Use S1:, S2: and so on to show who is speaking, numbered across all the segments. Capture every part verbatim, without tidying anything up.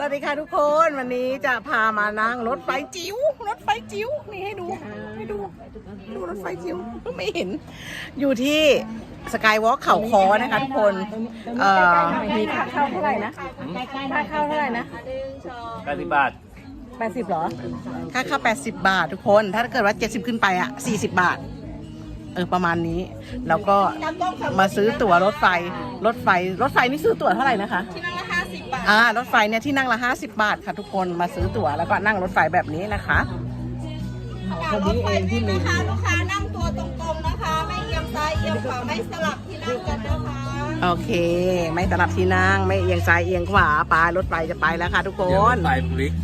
S1: วัสดีค่ะทุกคนวันนี้จะพามานั่งรถไฟจิ๋วรถไฟจิ๋วนี่ให้ดูให้ดูดูรถไฟจิ๋วไม่เห็นอยู่ที่สกายวอล์กเขาคอนะคะทุกคนเอ่อมีค่าเข้าเท่าไหร่นะค่าเข้าเท่าไหร่นะ
S2: แปดสิบบาท
S1: แปดสิบเหรอค่าเข้าแปดสิบบาททุกคนถ้าเกิดว่าเจ็ดสิบขึ้นไปอ่ะสี่สิบบาทเออประมาณนี้แล้วก็มาซื้อตั๋วรถไฟรถไฟรถไฟนี่ซื้อตั๋วเท่าไหร่นะคะที่นั่งละห้าสิบบาทอ่ารถไฟเนี่ยที่นั่งละห้าสิบบาทค่ะทุกคนมาซื้อตั๋วแล้วก็นั่งรถไฟแบบนี้นะคะ
S3: รถไฟวิ่งนะคะลูกค้านั่งตัวตรงๆนะคะไม่เอียงซ้ายเอียงขวาไม่สลับที่นั่งกันนะคะ
S1: โอเคไม่สลับที่นั่งไม่เอียงซ้ายเอียงขวาไปรถไฟจะไปแล้วค่ะทุกคน
S2: รถไฟพลิก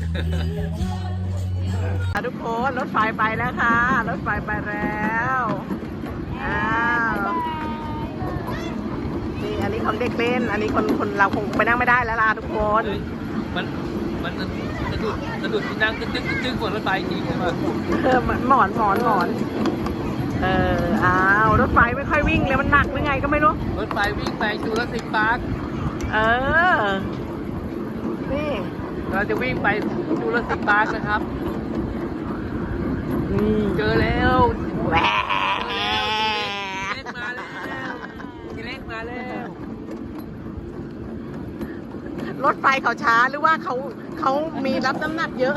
S1: ทุกคนรถไฟไปแล้วค่ะรถไฟไปแล้วอ้าวนี่อันนี้ของเด็กเล่นอันนี้คนคนเราคงไปนั่งไม่ได้แล้วล่ะทุกคน
S2: มันมันจะดุดจะดุดที่นั่งตึ๊กตึ๊กตึ๊กบนรถไฟจริงใช่ไหม
S1: เออหมอนหมอนหมอนเอออ้าวรถไฟไม่ค่อยวิ่งเลยมันหนักหรือไงก็ไม่รู้
S2: รถไฟวิ่งไปจูราสสิคพาร์ค
S1: เออนี่
S2: เราจะวิ่งไปจูราสสิคพาร์คนะครับเจอแล้ว
S1: แหวรถไฟเขาช้าหรือว่าเขาเขามีรับน้ำหนักเยอะ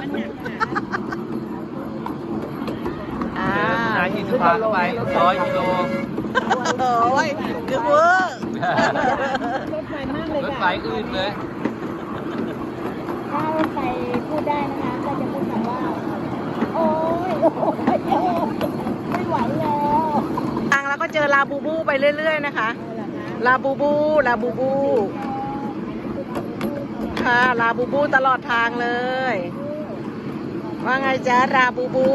S2: อ่ายี่สิบาทไปร้อยกิโล
S1: โอ้ยเกือบเวอร์
S3: รถไฟมากเลย
S2: รถไฟอื่นเลย
S3: ถ้ารถไฟพูดได้นะคะก็จะพูดคำว่าโอ้ยไม่ไหวแล้ว
S1: ทางแล้วก็เจอลาบูบูไปเรื่อยๆนะคะลาบูบูลาบูบูค่ะลาบูบูตลอดทางเลยว่าไงจ๊ะลาบูบู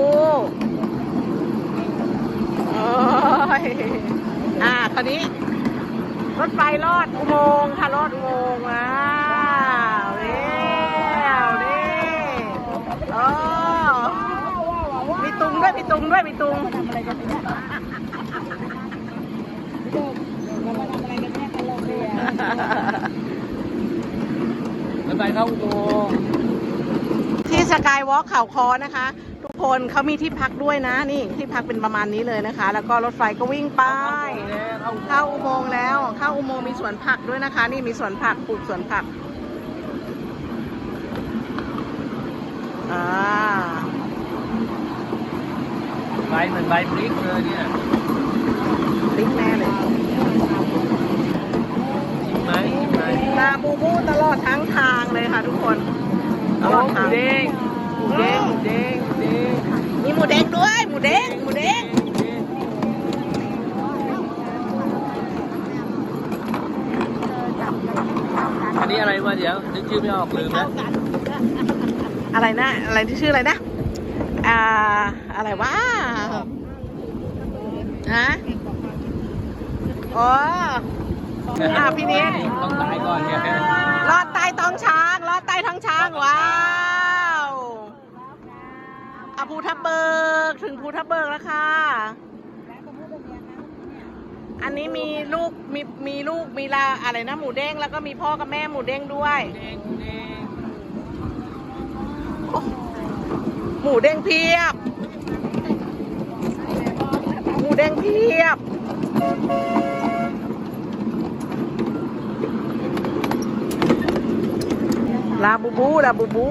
S1: โอ้ยอ่าคราวนี้รถไฟลอดอุโมงค์ค่ะลอดอุโมงค์ว้าวเร็วนี่โอ้มีตุงด้วยมีตุงด้วยมีตุง
S2: รถไฟเข้าอุโมงค์
S1: ที่สกายวอล์กเขาคอนะคะทุกคนเขามีที่พักด้วยนะนี่ที่พักเป็นประมาณนี้เลยนะคะแล้วก็รถไฟก็วิ่งไปเข้าอุโมงค์แล้วเข้าอุโมงค์มีสวนผักด้วยนะคะนี่มีสวนผักปลูกสวนผักอ่า
S2: ไฟเหมือนไฟพลิกเลยเนี่ย
S1: พลิกแน่เลย
S2: ไหมไหม
S1: ลาบูบูตลอดทั้งทางเลยค่ะทุกคนตลอดทาง
S2: หมูเด้งหมูเด้งหมูเด้งหมูเด้ง
S1: มีหมูเด้งด้วยหมูเด้งหมูเด้ง
S2: อันนี้อะไรวะเดี๋ยวนึกชื่อไม่ออกลืมนะ
S1: อะไรนะอะไรที่ชื่ออะไรนะอ่าอะไรวะฮะอ๋ออ่ะพี่นี้
S2: ต้องตายก่อนเนี่ย
S1: รอดใต้ท้องช้างรอดใต้ท้องช้างว้าวอ่ะภูทับเบิกถึงภูทับเบิกแล้วค่ะอันนี้มีลูกมีมีลูกมีลาอะไรนะหมูเด้งแล้วก็มีพ่อกับแม่หมูเด้งด้วยหมูเด้งเพียบหมูเด้งเพียบลาบูบูลาบูบู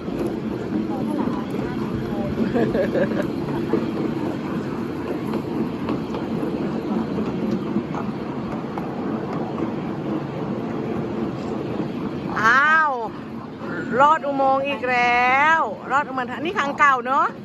S1: อ้าวรอดอุโมงค์อีกแล้วรอดอุโมงค์นี่ครั้งเก่าเนอะ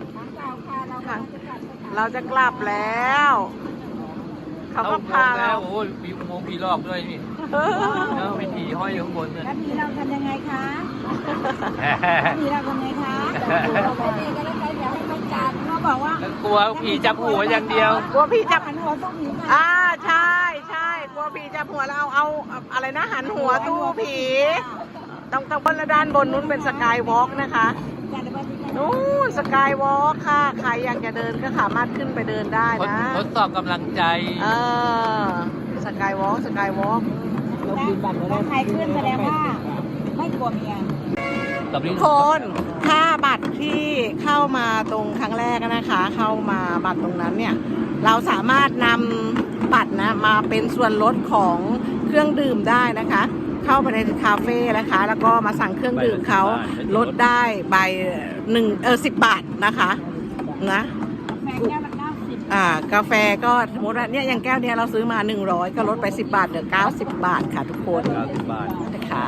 S1: เราจะกลับแล้วเขาก็พาเรา
S2: โอ้ยมีอุโมงค์ผีหลอกด้วยนี่แล้วมีผีห้อยอยู่ข้างบนเลย
S3: แล้วผีเราทำยังไงคะผีเราทำยังไงคะเราไปดีกันแล้วไปเดี๋ยวให้ต้องการเขาบอกว่าก
S2: ลัวผีจับหัวอย่างเดียว
S1: กลัวผีจับ
S3: หันหัวต้องผี
S1: อ่าใช่ใช่กลัวผีจับหัวเราเอาอะไรนะหันหัวตู้ผีต้องต้องบนด้านบนนู้นเป็นสกายวอล์กนะคะนู้นสกายวอล์กค่ะใครอยากจะเดินก็สามารถขึ้นไปเดินได้นะ
S2: ทดสอบกำลังใจ
S1: เออสกายวอล์กสกายวอล์ก
S3: ถ้าใครขึ้นแสดงว่าไม่กลัวเมีย
S2: กับนี้
S1: ทุกคนค่าบัตรที่เข้ามาตรงครั้งแรกนะคะ เข้ามาบัตรตรงนั้นเนี่ย เราสามารถนำบัตรนะมาเป็นส่วนลดของเครื่องดื่มได้นะคะ เข้าไปในคาเฟ่นะคะ แล้วก็มาสั่งเครื่องดื่มเขาลดได้ใบหนึ่งเออสิบบาทนะคะนะ
S3: แก้วละเก้าสิบ
S1: อ่ากาแฟก็สมมติว่าเนี่ยอย่างแก้วเนี้ยเราซื้อมาหนึ่งร้อยก็ลดไปสิบบาทเหลือเก้าสิบบาทค่ะทุกคน
S2: เก้าสิบบาท
S1: นะคะ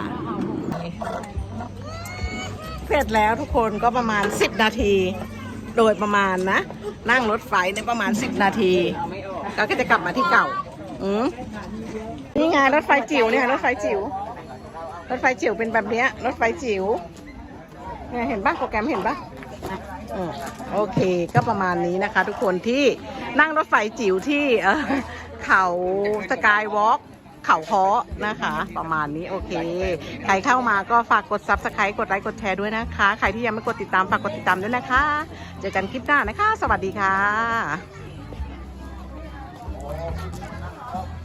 S1: เสร็จแล้วทุกคนก็ประมาณสิบนาที โดยประมาณนะ นั่งรถไฟในยประมาณสิบนาทีก็จะกลับมาที่เก่าอืมนี่ไงรถไฟจิ๋วเนี่ยรถไฟจิ๋วรถไฟจิ๋วเป็นแบบเนี้ยรถไฟจิ๋วเนี่ยเห็นปะโปรแกรมเห็นปะอืมโอเคก็ประมาณนี้นะคะ ทุกคนที่นั่งรถไฟจิ๋วที่เอ่อเขาสกายวอล์กเขาเคาะนะคะ ประมาณนี้โอเค ใครเข้ามาก็ฝากกด ซับสไครบ์ กดไลค์กดแชร์ด้วยนะคะ ใครที่ยังไม่กดติดตามฝากกดติดตามด้วยนะคะ เจอกันคลิปหน้านะคะ สวัสดีค่ะ